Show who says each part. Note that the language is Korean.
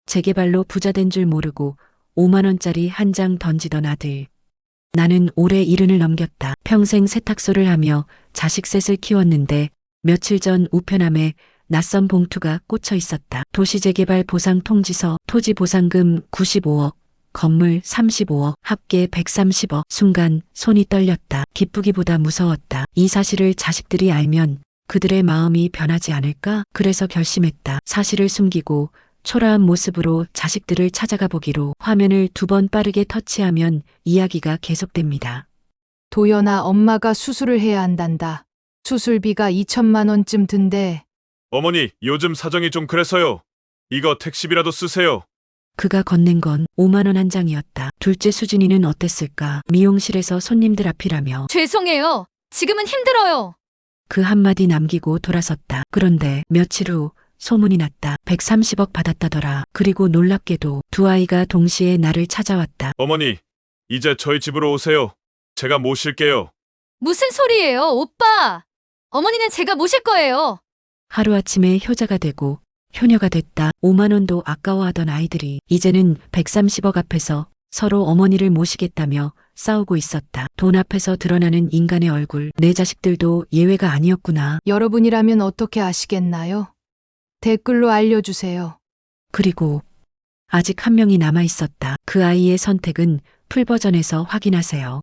Speaker 1: 재개발로 부자된 줄 모르고 5만 원짜리 한 장 던지던 아들. 나는 올해 70을 넘겼다. 평생 세탁소를 하며 자식 셋을 키웠는데 며칠 전 우편함에 낯선 봉투가 꽂혀 있었다. 도시재개발 보상 통지서, 토지 보상금 95억, 건물 35억, 합계 130억. 순간 손이 떨렸다. 기쁘기보다 무서웠다. 이 사실을 자식들이 알면 그들의 마음이 변하지 않을까? 그래서 결심했다. 사실을 숨기고 초라한 모습으로 자식들을 찾아가 보기로. 화면을 2번 빠르게 터치하면 이야기가 계속됩니다.
Speaker 2: 도연아, 엄마가 수술을 해야 한단다. 수술비가 2천만 원쯤 든대.
Speaker 3: 어머니, 요즘 사정이 좀 그래서요. 이거 택시비라도 쓰세요.
Speaker 1: 그가 건넨 건 5만 원 한 장이었다. 둘째 수진이는 어땠을까? 미용실에서 손님들 앞이라며
Speaker 4: 죄송해요. 지금은 힘들어요.
Speaker 1: 그 한마디 남기고 돌아섰다. 그런데 며칠 후 소문이 났다. 130억 받았다더라. 그리고 놀랍게도 두 아이가 동시에 나를 찾아왔다.
Speaker 3: 어머니, 이제 저희 집으로 오세요. 제가 모실게요.
Speaker 4: 무슨 소리예요, 오빠? 어머니는 제가 모실 거예요.
Speaker 1: 하루아침에 효자가 되고 효녀가 됐다. 5만 원도 아까워하던 아이들이 이제는 130억 앞에서 서로 어머니를 모시겠다며 싸우고 있었다. 돈 앞에서 드러나는 인간의 얼굴. 내 자식들도 예외가 아니었구나.
Speaker 2: 여러분이라면 어떻게 아시겠나요? 댓글로 알려주세요.
Speaker 1: 그리고 아직 한 명이 남아 있었다. 그 아이의 선택은 풀버전에서 확인하세요.